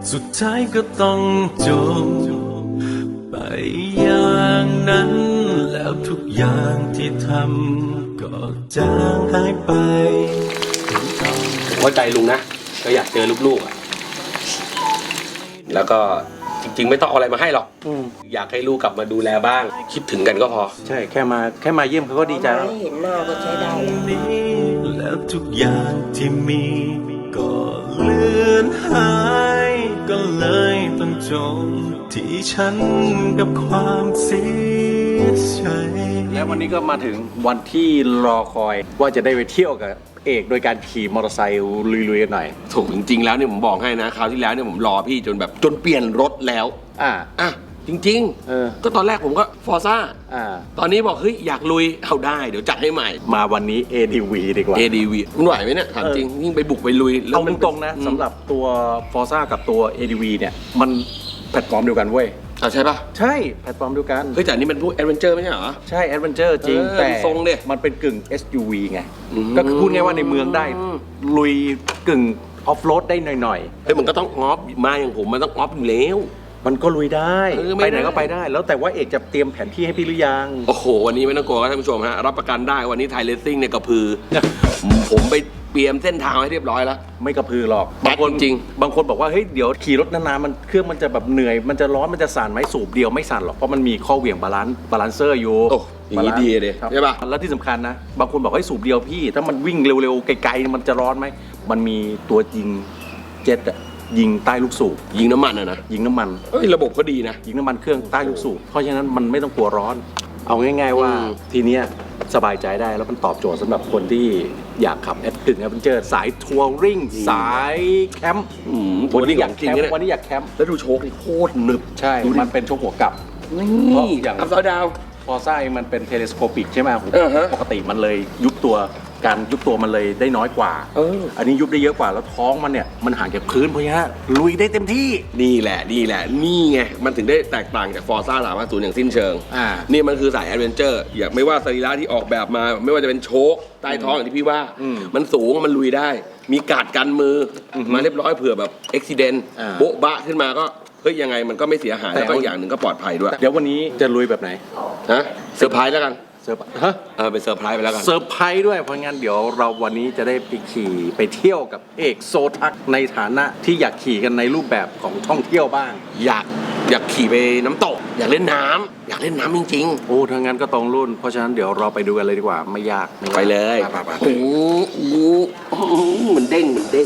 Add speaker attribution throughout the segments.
Speaker 1: สุดท้ายก็ต้องจบไปอย่างนั้น แล้วทุกอย่างที่ทำก็จางหายไป
Speaker 2: เข้าใจลุงนะก็อยากเจอลูกๆแล้วก็จริงๆไม่ต้องเอาอะไรมาให้หรอกอยากให้ลูกกลับมาดูแลบ้างคิดถึงกันก็พอ
Speaker 3: ใช่แค่มาเยี่ยมเขาก็ดีใจแล้ว
Speaker 4: เห็นหน้าก็ใช้ได้
Speaker 1: แล้วทุกอย่างที่มีก็เลือนหายก็เลยต้องจบที่ฉันกับความเสียใจ
Speaker 3: แล้ววันนี้ก็มาถึงวันที่รอคอยว่าจะได้ไปเที่ยวกับเอกโดยการขี่มอเตอร์ไซค์ลุยๆกันหน่อย
Speaker 2: ถูกจริงๆแล้วเนี่ยผมบอกให้นะคราวที่แล้วเนี่ยผมรอพี่จนแบบจนเปลี่ยนรถแล้วจริงๆก็ตอนแรกผมก็ฟอร์ซ่าตอนนี้บอกเฮ้ยอยากลุยเอาได้เดี๋ยวจัดให้ใหม่
Speaker 3: มาวันนี้ ADV ดีกว่า
Speaker 2: ADV มันไหวไหมเนี่ยถามจริงยิ่งไปบุกไปลุย
Speaker 3: เอาตรงๆนะสำหรับตัว Forza กับตัว ADV เนี่ยมันแพลตฟอร์มเดียวกันเว้ย
Speaker 2: ใช่ปะ
Speaker 3: ใช่แพลตฟอร์มเดียวกัน
Speaker 2: เฮ้ยแต่อันนี้มันพวกแอดเวนเจอร์ไม่ใช่เหรอ
Speaker 3: ใช่แอดเวนเจอร์จริงแต่
Speaker 2: ทรงเนี่ย
Speaker 3: มันเป็นกึ่ง SUV ไงก็คือพูดง่ายว่าในเมืองได้ลุยกึ่งออฟโรดได้หน่อย
Speaker 2: ๆเฮ้ยมันก็ต้องออฟมาอย่างผมมันต้องออฟอยู่แล้ว
Speaker 3: มันก็ลุยได้ไปไหนก็ไปได้แล้วแต่ว่าเอกจะเตรียมแผนที่ให้พี่หรือยัง
Speaker 2: โอ้โหวันนี้ไม่ต้องกลัวครับท่านผู้ชมฮะรับประกันได้วันนี้ไทยเลสซิ่งเนี่ยกระพือผมไปเตรียมเส้นทางให้เรียบร้อยแล้ว
Speaker 3: ไม่กระพือหรอก
Speaker 2: บางคนจริง
Speaker 3: บางคนบอกว่าเฮ้ยเดี๋ยวขี่รถนานๆมันเครื่องมันจะแบบเหนื่อยมันจะร้อนมันจะสั่นไหมสูบเดียวไม่สั่นหรอกเพราะมันมีข้อเหวี่ยงบาลานเซอร์อยู่
Speaker 2: อย่างนี้ดีเลยใช่ป่ะ
Speaker 3: แล้วที่สำคัญนะบางคนบอกให้สูบเดียวพี่ถ้ามันวิ่งเร็วๆไกลๆมันจะร้อนไหมมันมีตัวยิงเจ็ตอะยิงใต้ลูกสูบ
Speaker 2: ยิงน้ำมันนะ
Speaker 3: ยิงน้ำมัน
Speaker 2: ระบบก็ดีนะ
Speaker 3: ยิงน้ำมันเครื่องใต้ลูกสูบเพราะฉะนั้นมันไม่ต้องกลัวร้อนเอาง่ายๆว่าทีเนี้ยสบายใจได้แล้วมันตอบโจทย์สำหรับคนที่อยากขับแอดเวนเจอร์สายทัวริงสายแคมป์
Speaker 2: วันนี้อยากแคมป์
Speaker 3: วันนี้อยากแคมป์
Speaker 2: แล้วดูโชคนี่โคตรหนึบ
Speaker 3: ใช่มันเป็นโชคหัวกลับ
Speaker 2: นี่อย่างอัพดาว
Speaker 3: พอไส้มันเป็นเทเลสโคปิกใช่ไหมปกติมันเลยยุบตัวการยุบตัวมันเลยได้น้อยกว่าอันนี้ยุบได้เยอะกว่าแล้วท้องมันเนี่ยมันห่างจากพื้นเพราะงั้นลุยได้เต็มที่
Speaker 2: นี่แหละนี่ไงมันถึงได้แตกต่างจากฟอร์ซ่า350อย่างสิ้นเชิงนี่มันคือสายแอดเวนเจอร์อย่างไม่ว่าสรีระที่ออกแบบมาไม่ว่าจะเป็นโชคใต้ท้องอย่างที่พี่ว่ามันสูงมันลุยได้มีการ์ดกันมือมาเรียบร้อยเผื่อแบบอุบิเหตุโบ๊ะบะขึ้นมาก็เฮ้ยยังไงมันก็ไม่เสียหายแล้วก็อย่างหนึ่งก็ปลอดภัยด้วย
Speaker 3: เดี๋ยววันนี้จะลุยแบบไหน
Speaker 2: เซอร์ไพรส์แล้วกันเป็นเซอร์ไพรส์ไปแล้วกัน
Speaker 3: เซอร์ไพรส์ด้วยเพราะงั้นเดี๋ยวเราวันนี้จะได้ไปขี่ไปเที่ยวกับเอกโซทักในฐานะที่อยากขี่กันในรูปแบบของท่องเที่ยวบ้าง
Speaker 2: อยากขี่ไปน้ำตกอยากเล่นน้ำจริง
Speaker 3: ๆโอ้ถ้างั้นก็ตรงรุ่นเพราะฉะนั้นเดี๋ยวเราไปดูกันเลยดีกว่าไม่ยาก
Speaker 2: ไปเลยโอ้โหมันเด้ง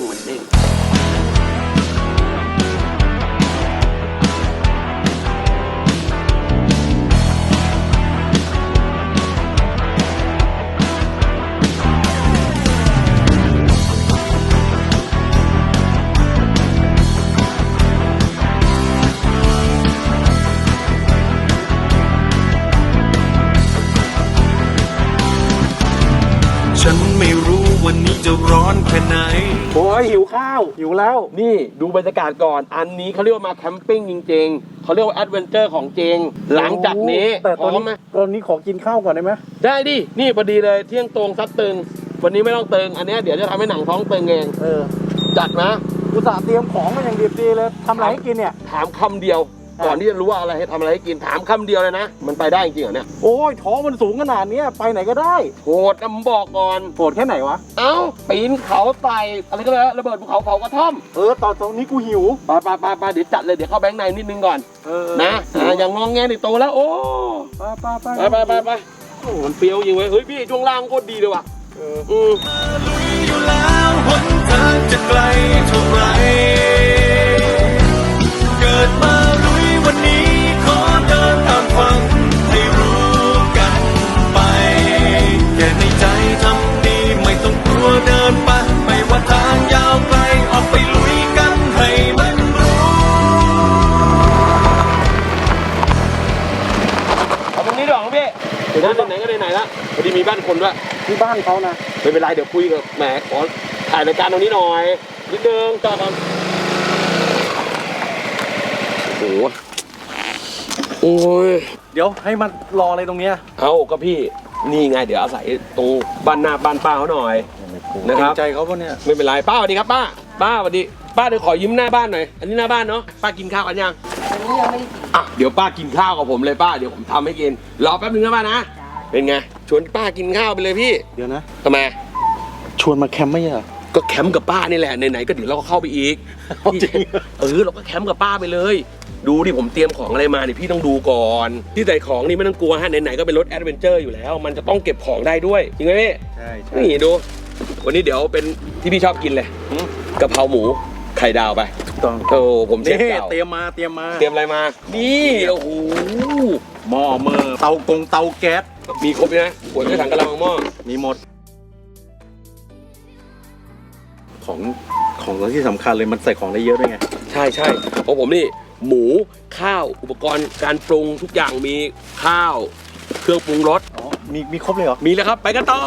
Speaker 1: ฉันไม่รู้วันนี้จะร้อนแค่ไหน
Speaker 3: โอ้ยหิวข้าวหิวแล้ว
Speaker 2: นี่ดูบรรยากาศก่อนอันนี้เขาเรียกว่ามาแคมปิ้งจริงๆเขาเรียกว่าแอดเวนเจอร์ของจริงหลังจากนี้
Speaker 3: พร้อมไหมตอนนี้ขอกินข้าวก่อนได้ไหม
Speaker 2: ได้ดินี่พอดีเลยเที่ยงตรงซัดตึงวันนี้ไม่ต้องตึงอันนี้เดี๋ยวจะทำให้หนังท้องตึงเองจัดนะ
Speaker 3: อุตส่าห์เตรียมของมาอย่างดีเลยทำอะไรให้กินเนี่ย
Speaker 2: ถามคำเดียวก่อนที่จะรู้ว่าอะไรให้ทำอะไรให้กินถามคำเดียวเลยนะมันไปได้จริงเหรอเนี่ย
Speaker 3: โอ้ยท้องมันสูงขนาดนี้ไปไหนก็ได้
Speaker 2: โหดนะผมบอกก่อน
Speaker 3: โหดแค่ไหนวะ
Speaker 2: เอ้าปีนเขาไต่อะไรก็เลยระเบิดภูเขาเผากระท่อม
Speaker 3: ตอนนี้กูหิว
Speaker 2: ไปเดี๋ยวจัดเลยเดี๋ยวเข้าแบงค์ในนิดนึงก่อนนะอย่างงองแงนี่โตแล้วโอ้ไปโอ้มันเปรี้ยวจริงเว้ยเฮ้ยพี่ช่วงล่างโคตรดีเลยว่ะ
Speaker 1: อยู่แล้วหนทางจะไกลเท่าไรเกิดมาลุยวันนี้ขอเดินตามฝันให้รู้กันไปแค่ในใจทำดีไม่ต้องกลัวเดินไปไม่ว่าทางยาวไกลออกไปลุยกันให้มันรู้
Speaker 2: เอาตรงนี้ดีกว่าพี่เดี๋ยวไหนก็ไหนละพอดีมีบ้านคนด้วย
Speaker 3: ที่บ้านเขานะ
Speaker 2: ไม่เป็นไรเดี๋ยวคุยกับแหมขอถ่ายรายการตรงนี้หน่อยนิดนึงต่อกันโอ้ย
Speaker 3: เดี๋ยวให้มันรออะไรตรงเนี้ย
Speaker 2: เอาก็พี่นี่ไงเดี๋ยวอาศัยตรงบ้านหน้าบ้านป้าเขาหน่อยนะครับ
Speaker 3: ใจเขาปะเนี่ย
Speaker 2: ไม่เป็นไรป้าสวัสดีครับป้าสวัสดีป้าเดี๋ยวขอยิ้มหน้าบ้านหน่อยอันนี้หน้าบ้านเนาะป้ากินข้าวกันยัง
Speaker 4: วันนี้ยังไม่ได้กิน
Speaker 2: อ่ะเดี๋ยวป้ากินข้าวกับผมเลยป้าเดี๋ยวผมทำให้กินรอแป๊บนึงนะป้านะเป็นไงชวนป้ากินข้าวไปเลยพี่
Speaker 3: เดี๋ยวนะ
Speaker 2: ทำไม
Speaker 3: ชวนมาแคมป์ไม่ใช่เหรอ
Speaker 2: ก็แคมป์กับป้านี่แหละไหนๆก็เดี๋ยวเราก็เข้าไปอีก
Speaker 3: จริง
Speaker 2: เราก็แคมป์กับป้าไปเลย ดูดิผมเตรียมของอะไรมาเนี่ยพี่ต้องดูก่อนที่ใส่ของนี่ไม่ต้องกลัวฮะไหนๆก็เป็นรถแอดเวนเจอร์อยู่แล้ว มันจะต้องเก็บของได้ด้วยจริงไหมพี่
Speaker 3: ใช่ใช่
Speaker 2: นี่ดู วันนี้เดี๋ยวเป็นที่พี่ชอบกินเลยกะเพราหมูไข่ดาวไป
Speaker 3: ถูกต้อง
Speaker 2: โอ้ผมเช
Speaker 3: นี่
Speaker 2: ฟเก่า
Speaker 3: เตรียมมา
Speaker 2: เตรียมอะไรมา นี่โอ้โห
Speaker 3: หม้อเมอร์เตาแก๊ส
Speaker 2: มีครบเลยนะขวดกระถังกะละมังหม้อ
Speaker 3: มีหมด ของที่สำคัญเลยมันใส่ของได้เยอะด้วยไง
Speaker 2: ใช่ของผมนี่หมูข้าวอุปกรณ์การปรุงทุกอย่างมีข้าวเครื่องปรุงรส
Speaker 3: อ๋อ มีครบเลยเหรอ
Speaker 2: มีแล้วครับไปกันต่อ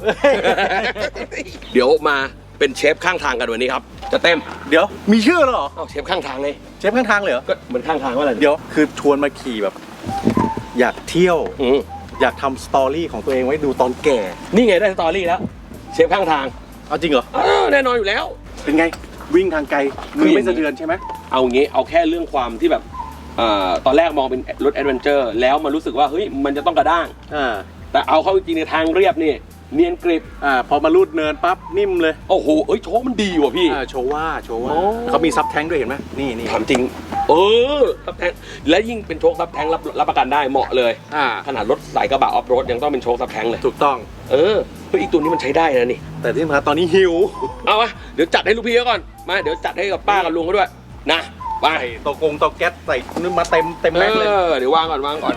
Speaker 2: เดี๋ยวมาเป็นเชฟข้างทางกันวันนี้ครับจะเต็ม
Speaker 3: เดี๋ยว มีชื่อแล้วเหรอ
Speaker 2: เอ้าเชฟข้างทางเลย
Speaker 3: เชฟข้างทางเลยเหรอ
Speaker 2: ก็เหมือนข้างทางว่าอะไร
Speaker 3: เดี๋ยว คือชวนมาขี่แบบ อยากเที่ยว
Speaker 2: อืม
Speaker 3: อยากทำสตอรี่ของตัวเองไว้ดูตอนแก่
Speaker 2: นี่ไงได้สตอรี่แล้วเชฟข้างทาง
Speaker 3: เอาจริงเหรอ
Speaker 2: แน่นอนอยู่แล้ว
Speaker 3: เป็นไง วิ่งทางไกลมือไม่สะเทือนใช่ไหม
Speaker 2: เอางี้เอาแค่เรื่องความที่แบบตอนแรกมองเป็นรถแอดเวนเจอร์แล้วมันรู้สึกว่าเฮ้ยมันจะต้องกระด้าง แต่เอาเข้าจริงในทางเรียบนี่เนียนกริบ
Speaker 3: พอมาลูดเนินปั๊บนิ่มเลย
Speaker 2: โอ้โหโชคมันดีว่ะพี่
Speaker 3: โชว์ว่า
Speaker 2: โอ้
Speaker 3: เขามีซับแท้งด้วยเห็นไหมนี่
Speaker 2: ถามจริงซับแทงและยิ่งเป็นโชคซับแทงรับประกันได้เหมาะเลยขนาดรถสายกระบะออฟโรดยังต้องเป็นโชคซับแทงเลย
Speaker 3: ถูกต้อง
Speaker 2: เฮ้ยอีกตัวนี้มันใช้ได้นะนี่
Speaker 3: แต่ที่สำคัญตอนนี้หิว
Speaker 2: เอาวะเดี๋ยวจัดให้ลูกพี่เขาก่อนมาเดี๋ยวจัดให้กับป้ากับลุงเขาด้วยนะไป
Speaker 3: เตาแก๊สใส่นึกมาเต็มแม็กเลย
Speaker 2: เดี๋ยววางก่อน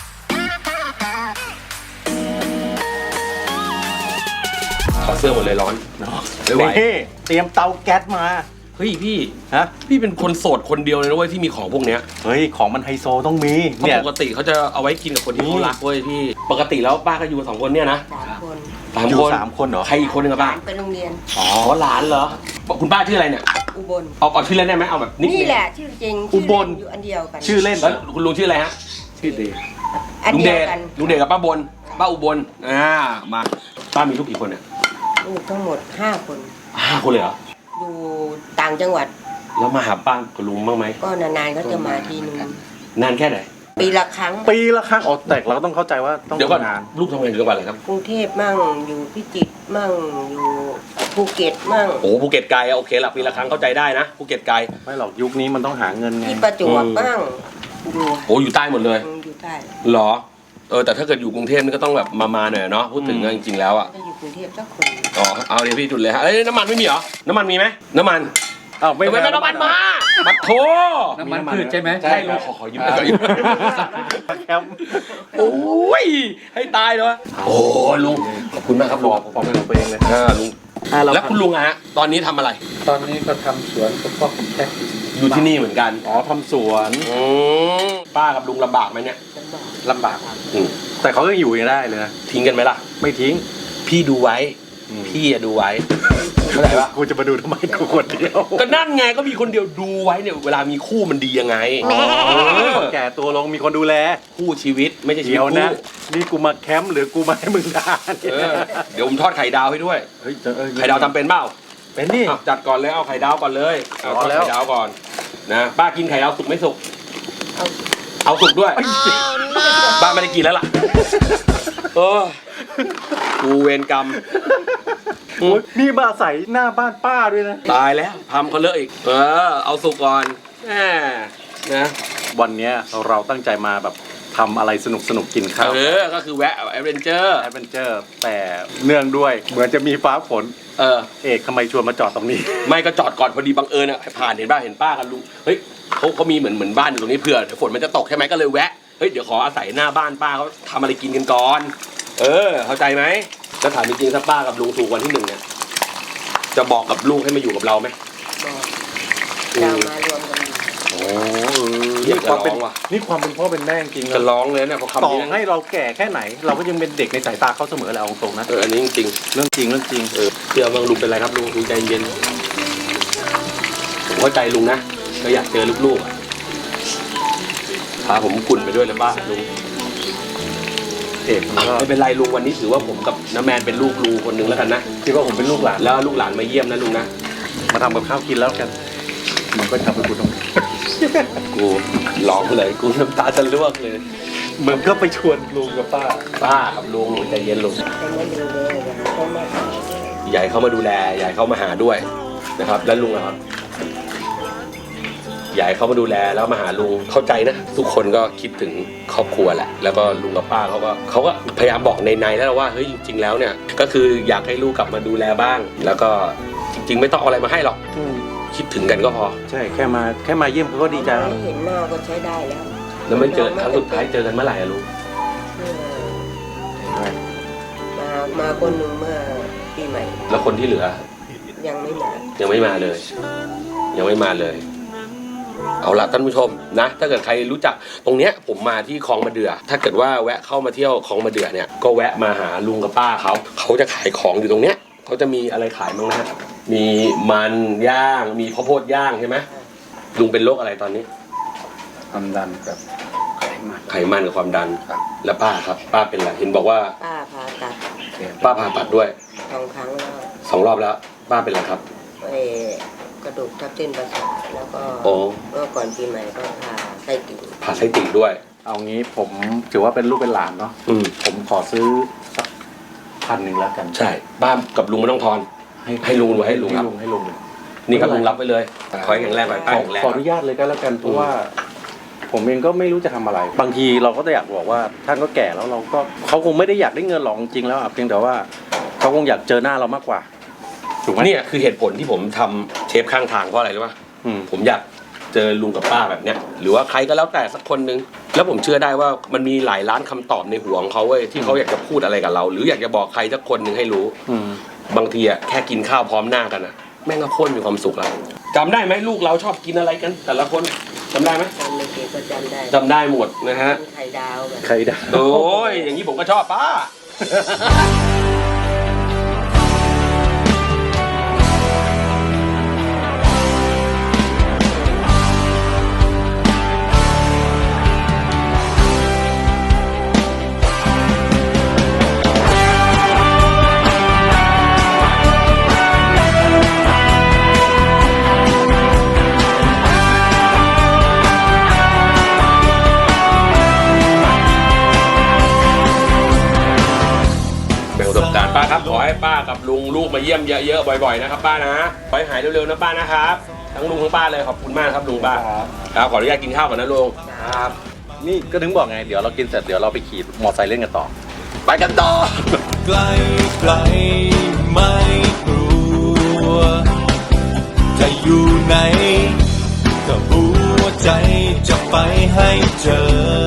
Speaker 2: ถอดเสื้อหมดเลยร้อนไม่ไหว
Speaker 3: นี่เตรียมเตาแก๊สมา
Speaker 2: เฮ้ยพี่
Speaker 3: ฮะ
Speaker 2: พี่เป็นคนโสดคนเดียวเลยนะเว้ยที่มีของพวกเนี้ย
Speaker 3: เฮ้ยของมันไฮโซต้องมี
Speaker 2: เพราะปกติเขาจะเอาไว้กินกับคนที่เขารักเว้ยพี่ปกติแล้วป้าก็อยู่กับ2 คนเนี่ยนะ
Speaker 4: 3 คน
Speaker 3: อยู่3 คนเหรอ
Speaker 2: ใครอีกคนหนึงอะ
Speaker 4: ห
Speaker 2: ป้า
Speaker 4: ลานไปโรงเรียน
Speaker 2: อ๋อหลานเหรอคุณป้าชื่ออะไรเนี่ย
Speaker 4: อุบล
Speaker 2: เอาชื่อเล่นได้ไหมเอาแบบนิด
Speaker 4: นี่แหละชื่อจริง
Speaker 3: อุบล
Speaker 4: ชื่เล่นอยู่อันเดียวกัน
Speaker 3: ชื่อเล่น
Speaker 2: แล้วคุณลุงชื่ออะไรฮะ
Speaker 3: ชื่อเด
Speaker 4: อัน
Speaker 2: ลุง
Speaker 4: เดี
Speaker 2: เด
Speaker 4: ยว
Speaker 2: ช
Speaker 4: กัน
Speaker 2: ลุงเดชกับป้าบนป้าอุบลมาป้ามีลูกกี่คนเนี่ย
Speaker 4: ลูกทั้งหมด5 คน
Speaker 2: 5 คนเลยเหรอ
Speaker 4: อยู่ต่างจังหวัด
Speaker 2: แล้วมาหาป้ากับลุงบ้างไหม
Speaker 4: ก็นานๆก็จะมาทีนึง
Speaker 2: นานแค่ไหน
Speaker 4: ปีละครั้ง
Speaker 3: ปีละครั้งอ๋อแต่เราก็ต้องเข้าใจว่าต้อง
Speaker 2: เดี๋ยวก่อน
Speaker 3: ทำงาน
Speaker 2: ลูกทำงานอยู่จังหวัดอะไรครับ
Speaker 4: กรุงเทพมั่งอยู่พิจิตรมั่งอยู่ภูเก็ตมั่ง
Speaker 2: โอ้ภูเก็ตไกลอะโอเคละปีละครั้งเข้าใจได้นะภูเก็ตไกล
Speaker 3: ไม่หรอกยุคนี้มันต้องหาเงินไง
Speaker 4: ที่ประจวบมั่งอยู่
Speaker 2: โอ้อยู่ใต้หมดเลย
Speaker 4: อยู่ใต้
Speaker 2: เหรอแต่ถ้าเกิดอยู่กรุงเทพนี่ก็ต้องแบบมาหน่อยเนาะพูดถึงอะจริงๆแล้วอะ
Speaker 4: ก็อยู่กรุงเทพสักคน
Speaker 2: อ๋อเอาเดี๋ยวพี่จุดเลยฮะน้ำมันไม่มีเหรอน้ำมันมีไหมน้ำมัน
Speaker 3: อ้าวไม่
Speaker 2: ไม่น้ำมันมาบัดโท
Speaker 3: น้ำมันพืชใช่ไหม
Speaker 2: ใช่ลุงขอยืมหน่อย
Speaker 3: แคมป์
Speaker 2: โอ้ยให้ตายเลยวะโอ้ลุงขอบคุณมากครับลุง
Speaker 3: พอเป็นของตัวเองเลย
Speaker 2: ลุงแล้วคุณลุงอะฮะตอนนี้ทำอะไร
Speaker 5: ตอนนี้ก็ทำสวนกับพ่อคุณแท็ก
Speaker 2: อยู่ที่นี่เหมือนกัน
Speaker 3: อ๋อทำสวน
Speaker 2: ป้ากับลุงลำบากไหมเนี่ย
Speaker 4: ลำบาก
Speaker 3: ลำบากแต่เขาก็อยู่ยังได้เลยนะ
Speaker 2: ทิ้งกันไหมล่ะ
Speaker 3: ไม่ทิ้ง
Speaker 2: พี่ดูไว้ พี่อะดูไว้เข้าใจปะ
Speaker 3: กูจะมาดูทำไมกูคนเดียว
Speaker 2: ก็นั่นไงก็มีคนเดียวดูไว้เนี่ยเวลามีคู่มันดียังไง
Speaker 3: แก่ตัวลงมีคนดูแล
Speaker 2: คู่ชีวิตไม่ใช่ชีวิ
Speaker 3: เดี๋
Speaker 2: ต
Speaker 3: ยว
Speaker 2: คู่
Speaker 3: นะนี่กูมาแคมป์หรือกูมาให้มึงด่าเนี่ย
Speaker 2: เดี๋ยวผมทอดไข่ดาวให้ด้วย
Speaker 3: เฮ้ย
Speaker 2: ไข่ดาวทำเป็นเปล่า
Speaker 3: เป็นนี่
Speaker 2: อ่ะจัดก่อนเลยเอาไข่ดาวก่อนเลยเอาทอด
Speaker 3: เอาแล้ว
Speaker 2: ไข่ดาวก่อนนะป้ากินไข่ดาวสุกไม่สุก
Speaker 4: เอา
Speaker 2: เอาสุกด้วยป้าไม่ได้กินแล้วล่ะกูเวรกรรม
Speaker 3: โอ๊ยนี่มาใส่หน้าบ้านป้าด้วยนะ
Speaker 2: ตายแล้วทำเขาเลอะอีกเอาสุกก่อนแหมนะ
Speaker 3: วันเนี้ยเราตั้งใจมาแบบทำอะไรสนุกกินข้าว
Speaker 2: ก็คือแวะแอดเวนเจอร์
Speaker 3: แอดเวนเจอร์แต่เนื่องด้วยเหมือนจะมีฟ้าฝน เอกทำไมชวนมาจอดตรงนี้
Speaker 2: ไม่ก็จอดก่อนพอดีบังเอิญอ่ะผ่านเห็นป้ากับลุงเฮ้ยเขามีเหมือนบ้านอยู่ตรงนี้เผื่อเดี๋ยวฝนมันจะตกใช่ไหมก็เลยแวะเฮ้ยเดี๋ยวขออาศัยหน้าบ้านป้าเขาทำอะไรกินกันก่อนเข้าใจไหมจะถามจริงๆถ้าป้ากับลุงถูกวันที่1เนี่ยจะบอกกับลูกให้มาอยู่กับเราไหม
Speaker 4: บอกจะมารวมกันอยู่
Speaker 2: โอ้
Speaker 3: นี่
Speaker 2: ย
Speaker 3: ความเป็น
Speaker 2: ว่ะ
Speaker 3: นี่ความเป็นพ่อเป็นแม่จริงๆ
Speaker 2: จะ
Speaker 3: นะ
Speaker 2: ร้องเลยเนี่ยเพราะคำ
Speaker 3: ต่อ
Speaker 2: นี้
Speaker 3: ให้เราแก่แค่ไหน เราก็ยังเป็นเด็กในสายตาเขาเสมอแหละเอาตรงๆนะ
Speaker 2: อันนี้จริง
Speaker 3: เรื่องจริงเรื่องจริง
Speaker 2: เชื่อบางลุงเป็นไรครับลุงใจเย็นผมเข้าใจลุงนะก็อยากเจอลูกๆอะพาผมกุ่นไปด้วยเลยป้าลุง
Speaker 3: เอกมันก็
Speaker 2: ไม่เป็นไรลุงวันนี้ถือว่าผมกับน้าแมนเป็นลูกลุงคนหนึงแล้วกันนะ
Speaker 3: คิดว่าผมเป็นลูกหลาน
Speaker 2: แล้วลูกหลานมาเยี่ยมนะลุงนะ
Speaker 3: มาทำกับข้าวกินแล้วกันมันก็ทำให้กูต้อง
Speaker 2: กูร้องเลยกูน้ำตาจะร่วงเลย
Speaker 3: มึงก็ไปชวนลุงกับป้า
Speaker 2: ป้ากับลุงใจเย็นลุง
Speaker 4: แต่ไม่ดูเลยก็ไม่
Speaker 2: ใหญ่เข้ามาดูแลใหญ่เข้ามาหาด้วยนะครับแล้วลุงอะครับใหญ่เข้ามาดูแลแล้วมาหาลุงเข้าใจนะทุกคนก็คิดถึงครอบครัวแหละแล้วก็ลุงกับป้าเขาก็พยายามบอกในแล้วว่าเฮ้ยจริงๆแล้วเนี่ยก็คืออยากให้ลูกกลับมาดูแลบ้าง แล้วก็จริงๆไม่ต้องเอาอะไรมาให้หรอกคิดถึงกันก็พอ
Speaker 3: ใช่แค่มาเยี่ยมเขาก็ดีใจแล้ว
Speaker 4: ไม่เห็นหน้าก็ใช้ได้แล้ว
Speaker 2: แล้วไม่เจอครั้งสุดท้ายเจอกันเมื่อไหร่อะลุง
Speaker 4: มาคนหนึ่งเมื่อปีใหม่
Speaker 2: แล้วคนที่เหลือ
Speaker 4: ยังไม่มา
Speaker 2: ยังไม่มาเลย ยังไม่มาเลย เอาละท่านผู้ชมนะ ถ้าเกิดใครรู้จักตรงเนี้ยผมมาที่คลองมะเดื่อถ้าเกิดว่าแวะเข้ามาเที่ยวคลองมะเดื่อเนี่ยก็แวะมาหาลุงกับป้าเขาจะขายของอยู่ตรงเนี้ยเขาจะมีอะไรขายบ้างนะมีมันย่างมีข้าวโพดย่างใช่ไหมลุงเป็นโรคอะไรตอนนี้
Speaker 5: ความดันกับไขมัน
Speaker 2: ไขมันกับความดัน
Speaker 5: ครับ
Speaker 2: แล้วป้าครับ ป้าเป็นอะไรเห็นบอกว่า
Speaker 4: ป้าผ่าตัด
Speaker 2: ป้าผ่าตัดด้วย
Speaker 4: 2 ครั้งแล้ว
Speaker 2: 2 รอบแล้ว ป้าเป็นอะไรครับ
Speaker 4: กระดูกทับเส้นประสาทแล้วก็
Speaker 2: โอ้
Speaker 4: เมื่อก่อนปีใหม่ก็ผ่าไส้ติ่ง
Speaker 2: ผ่าไส้ติ่งด้วย
Speaker 3: เอางี้ผมถือว่าเป็นลูกเป็นหลานเนาะ
Speaker 2: อืม
Speaker 3: ผมขอซื้อสัก1,000แล้วกัน
Speaker 2: ใช่ป้ากับลุงไม่ต้องทอนให้ลุงให้ลุงครับ
Speaker 3: ให้ลุง
Speaker 2: นี่ครับลุงรับไปเลยขอให้แข็งแรงไปป้าแข็งแรง
Speaker 3: ขออนุญาตเลยก็แล้วกันเพราะว่า ผมเองก็ไม่รู้จะทำอะไร บางทีเราก็อยากบอกว่าท่านก็แก่แล้วเราก็เขาคงไม่ได้อยากได้เงินหรอกจริงๆแล้วเพียงแต่ว่าเขาคงอยากเจอหน้าเรามากกว่าถูกไหม
Speaker 2: เนี่ยคือเหตุผลที่ผมทำเชฟข้างทางเพราะอะไรรู้ป่ะ ผมอยากเจอลุงกับป้าแบบเนี้ยหรือว่าใครก็แล้วแต่สักคนนึงแล้วผมเชื่อได้ว่ามันมีหลายล้านคำตอบในหัวของเขาเว้ยที่เขาอยากจะพูดอะไรกับเรา หรืออยากจะบอกใครสักคนหนึ่งให้รู้บางทีอะแค่กินข้าวพร้อมหน้ากันอะแม่งก็โคตรมีความสุขแล้วจำได้ไหมลูกเราชอบกินอะไรกัน แต่ละคนจำได้ไหม
Speaker 4: จำไม่เก็ก็จำได้
Speaker 2: จำได้หมดนะฮะ
Speaker 4: ไข่ดาวแบบ
Speaker 3: ใครได้
Speaker 2: โอ้ยอย่างนี้ผมก็ชอบป้า แบ่งประสบการณ์ป้าครับขอให้ป้ากับลุงลูกมาเยี่ยมเยอะๆบ่อยๆนะครับป้านะขอให้หายเร็วๆนะป้านะครับทั้งลุงทั้งป้าเลยขอบคุณมากครับลุงป้าครับขออนุญาตกินข้าวก่อนนะลุงครับ
Speaker 3: นี่ก็ถึงบอกไงเดี๋ยวเรากินเสร็จเดี๋ยวเราไปขี่มอเตอร์ไซค์เล่นกันต่อ
Speaker 2: ไปกันต่อ
Speaker 1: ไกลไกลไม่กลัวจะอยู่ไหนก็รู้ว่าใจจะไปให้เจอ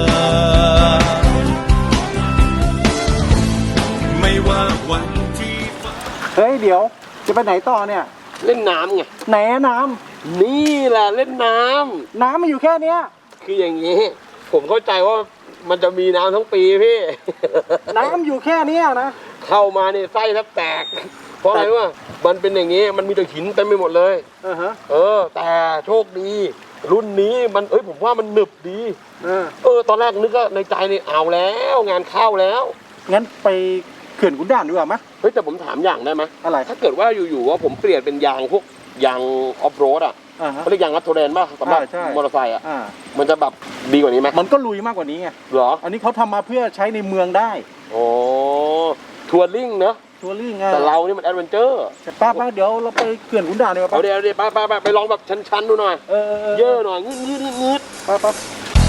Speaker 1: ไม่ว่าวันที่
Speaker 5: เฮ้ยเดี๋ยวจะไปไหนต่อเนี่ย
Speaker 2: เล่นน้ำไง
Speaker 5: ไหนน้
Speaker 2: นี่แหละเล่นน้ำ
Speaker 5: ำน้ำมันอยู่แค่เนี้ย
Speaker 2: คืออย่างนี้ ผมเข้าใจว่ามันจะมีน้ำทั้งปีพี่
Speaker 5: น้ำอยู่แค่เนี้ยนะ
Speaker 2: เข้ามาเนี่ยไส้แทบแตก เพราะอะไรวะมันเป็นอย่างนี้มันมีแต่หินเต็มไปหมดเลย
Speaker 5: ฮะ
Speaker 2: แต่โชคดี รุ่นนี้มันผมว่ามันหนึบดี ตอนแรกนึกว่าในใจนี่เอาแล้วงานเข้าแล้ว
Speaker 5: งั้นไปเขื่อนขุนด่านดีกว่ามั้ย
Speaker 2: เฮ้ยแต่ผมถามอย่างได้ไหม
Speaker 5: อะไร
Speaker 2: ถ้าเกิดว่าอยู่ๆว่าผมเปลี่ยนเป็นยางพวกยางออฟโรดอ่ะ
Speaker 5: ฮะ
Speaker 2: เขาเรียกยางรัดโทเรนป่ะสำหรับ
Speaker 5: ใช่
Speaker 2: มอเตอร์ไซค์อ่ะ
Speaker 5: อ่า
Speaker 2: มันจะแบบดีกว่านี้ไหม
Speaker 5: มันก็ลุยมากกว่านี้ไง
Speaker 2: เหรอ
Speaker 5: อันนี้เขาทำมาเพื่อใช้ในเมืองได้
Speaker 2: โอ้ทัวริ่งเนอะ
Speaker 5: ทัวริ่งไง
Speaker 2: แต่เรานี่มันแอดเวนเจอร์
Speaker 5: ป้าเดี๋ยวเราไปเขื่อนขุนด่านดีกว่า
Speaker 2: เอาเดี๋ยวไปลองแบบชันๆดูหน่อย เยอะหน่อยงืด
Speaker 5: ป้า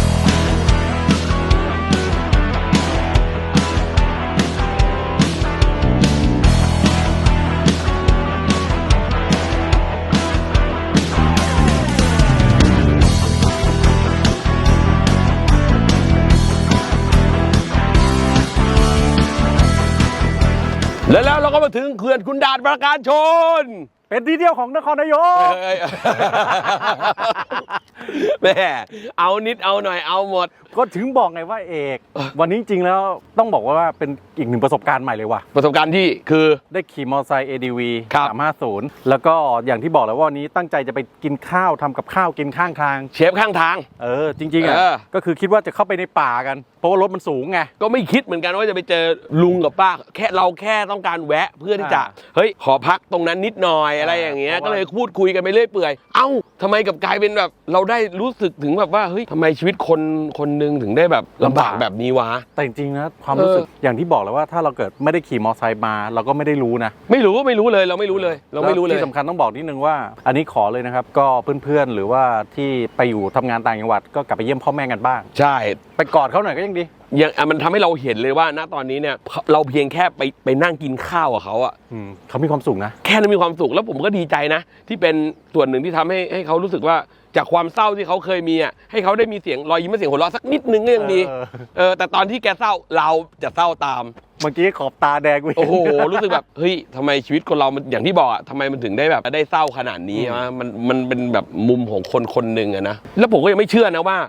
Speaker 2: แล้วเราก็มาถึงเขื่อนขุนด่านปราการชน
Speaker 5: เป็นที่เที่ยวของนครนายก
Speaker 2: แม่เอานิดเอาหน่อยเอาหมด
Speaker 5: ก็ถึงบอกไงว่าเอก วันนี้จริงๆแล้วต้องบอกว่าเป็นอีกหนึ่งประสบการณ์ใหม่เลยว่ะ
Speaker 2: ประสบการณ์ที่คือ
Speaker 5: ได้ขี่มอเตอร์ไซค์ ADV
Speaker 2: ครับ
Speaker 5: 350 แล้วก็อย่างที่บอกแล้วว่าวันนี้ตั้งใจจะไปกินข้าวทำกับข้าวกินข้างทาง
Speaker 2: เชฟข้างทาง
Speaker 5: จริงๆอ่ะ
Speaker 2: เออ
Speaker 5: ก็คือคิดว่าจะเข้าไปในป่ากัน เพราะว่ารถมันสูงไง
Speaker 2: ก็ไม่คิดเหมือนกันว่าจะไปเจอลุงกับป้าเราแค่ต้องการแวะเพื่อที่จะ
Speaker 5: อ่า
Speaker 2: เฮ้ยขอพักตรงนั้นนิดหน่อยอะไรอย่างเงี้ยก็เลยพูดคุยกันไปเรื่อยเปื่อยเอ้าทำไมกับกลายเป็นแบบเราได้รู้สึกถึงแบบว่าเฮ้ยทำไมชีวิตคนหนึ่งถึงได้แบบลำบากแบบนี้วะ
Speaker 5: แต่จริงๆนะความรู้สึกอย่างที่บอกเลยว่าถ้าเราเกิดไม่ได้ขี่มอเตอร์ไซค์มาเราก็ไม่ได้รู้นะ
Speaker 2: ไม่รู้เลยเราไม่รู้เลย
Speaker 5: ที่สำคัญต้องบอกนิดนึงว่าอันนี้ขอเลยนะครับก็เพื่อนๆหรือว่าที่ไปอยู่ทำงานต่างจังหวัดก็กลับไปเยี่ยมพ่อแม่กันบ้าง
Speaker 2: ใช่
Speaker 5: ไปกอดเขาหน่อยก็ยังดี
Speaker 2: อย่างมันทำให้เราเห็นเลยว่าณตอนนี้เนี่ยเราเพียงแค่ไปนั่งกินข้าวกับเขาอะ
Speaker 5: เขามีความสุขนะ
Speaker 2: แค่นั้นมีความสุขแล้วผมก็ดีใจนะที่เป็นส่วนหนึ่งที่ทำให้เขารู้สึกว่าจากความเศร้าที่เขาเคยมีอะให้เขาได้มีเสียงรอยยิ้มและเสียงหัวเราะสักนิดนึงก็ยังดีแต่ตอนที่แกเศร้าเราจะเศร้าตาม
Speaker 5: เมื่อกี้ขอบตาแดง
Speaker 2: โอ้โหรู้สึกแบบเฮ้ยทำไมชีวิตคนเรามันอย่างที่บอกอะทำไมมันถึงได้แบบได้เศร้าขนาดนี้มันเป็นแบบมุมของคนหนึ่งอะนะแล้วผมก็ยังไม่เชื่อนะว่า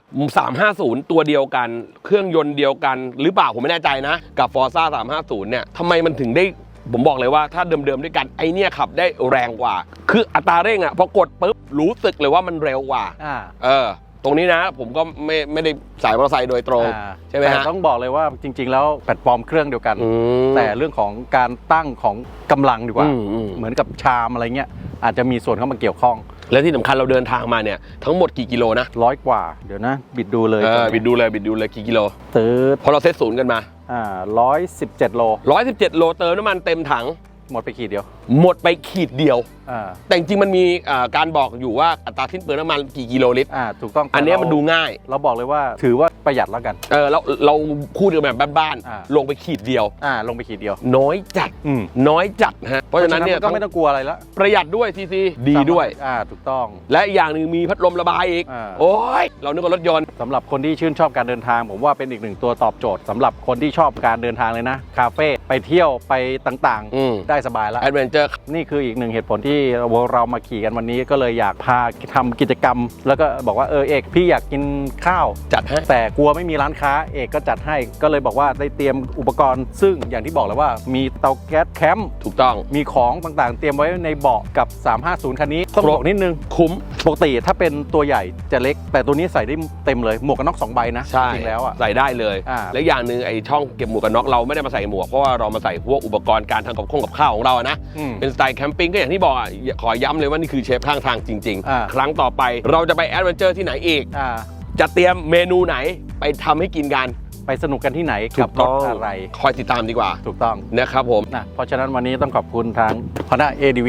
Speaker 2: 350ตัวเดียวกันเครื่องยนต์เดียวกันหรือเปล่าผมไม่แน่ใจนะกับ Forza 350เนี่ยทำไมมันถึงได้ผมบอกเลยว่าถ้าเดิมๆด้วยกันไอเนี่ยขับได้แรงกว่าคืออัตราเร่งอะพอกดปุ๊บรู้สึกเลยว่ามันเร็วกว่าตรงนี้นะผมก็ไม่ได้สายมอเตอร์ไซค์โดยตรงใช่ไหมฮะ
Speaker 5: ต้องบอกเลยว่าจริงๆแล้วแพลตฟอร์มเครื่องเดียวกันแต่เรื่องของการตั้งของกำลังดีกว่าเหมือนกับชามอะไรเงี้ยอาจจะมีส่วนเข้ามาเกี่ยวข้อง
Speaker 2: และที่สำคัญเราเดินทางมาเนี่ยทั้งหมดกี่กิโลนะ
Speaker 5: 100 กว่าเดี๋ยวนะบิดดูเลย
Speaker 2: บิดดูเลยกี่กิโลพอเราเซตศูนย์กันมา
Speaker 5: 117 โล
Speaker 2: 117 โลเติมน้ำมันเต็มถัง
Speaker 5: หมดไปขีดเดียว
Speaker 2: แต่จริงๆมันมีการบอกอยู่ว่าอัตราสิ้นเปลืองน้ำมันกี่กิโลลิตร
Speaker 5: ถูกต้อง
Speaker 2: อันนี้มันดูง่าย
Speaker 5: เราบอกเลยว่าถือว่าประหยัดแล้วกัน
Speaker 2: เราพูดกันแบบบ้านๆลงไปขีดเดียวน้อยจัดฮะเพราะฉะนั้นเนี่ย
Speaker 5: ก็ไม่ต้องกลัวอะไรแล้ว
Speaker 2: ประหยัดด้วยซีซีดีด้วย
Speaker 5: ถูกต้อง
Speaker 2: และอย่างหนึ่งมีพัดลมระบายอีกโอ้ยเรานึกว่ารถยนต์
Speaker 5: สำหรับคนที่ชื่นชอบการเดินทางผมว่าเป็นอีกหนึ่งตัวตอบโจทย์สำหรับคนที่ชอบการเดินทางเลยนะคาเฟ่ไปเที่ยวไปต่างๆได้สบายแล้ว
Speaker 2: แอดเวนเจอร์
Speaker 5: นี่คืออีกหนึ่งเหตุผลที่เรามาขี่กันวันนี้ก็เลยอยากพาทำกิจกรรมแล้วก็บอกว่าเอกพี่อยากกินข้าว
Speaker 2: จัดให้
Speaker 5: แต่กลัวไม่มีร้านค้าเอกก็จัดให้ก็เลยบอกว่าได้เตรียมอุปกรณ์ซึ่งอย่างที่บอกเลยว่ามีเตาแก๊สแคมป์
Speaker 2: ถูกต้อง
Speaker 5: มีของต่างๆเตรียมไว้ในเบาะกับ350คันนี้ต้องบอกนิดนึง
Speaker 2: คุ้ม
Speaker 5: ปกติถ้าเป็นตัวใหญ่จะเล็กแต่ตัวนี้ใส่ได้เต็มเลยหมวกกันน็อก2 ใบนะจริงแล้ว
Speaker 2: ใส่ได้เลยและอย่างหนึ่งไอ้ช่องเก็บหมวกกันน็อกเราไม่ได้มาใส่หมวกเพราะว่าเรามาใส่พวกอุปกรณ์การทำกับข้าวของเรานะเป็นสไตล์แคมปิ้งก็อย่างที่บอกขอย้ำเลยว่านี่คือเชฟข้างทางจริงๆครั้งต่อไปเราจะไปแอดเวนเจอร์ที่ไหนอีกจะเตรียมเมนูไหนไปทำให้กินกัน
Speaker 5: ไปสนุกกันที่ไหนกับรถอะไร
Speaker 2: คอยติดตามดีกว่า
Speaker 5: ถูกต้อง
Speaker 2: นะครับผม
Speaker 5: เพราะฉะนั้นวันนี้ต้องขอบคุณทาง Honda ADV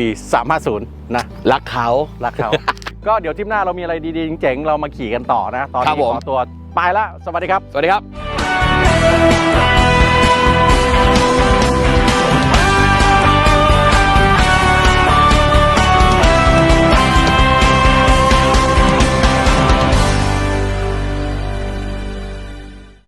Speaker 5: 350นะ
Speaker 2: รักเขา
Speaker 5: ก็เดี๋ยวทริปหน้าเรามีอะไรดีๆเจ๋งๆเรามาขี่กันต่อนะตอนนี้ขอตัวไปละสวัสดีครับ
Speaker 2: สวัสดีครับ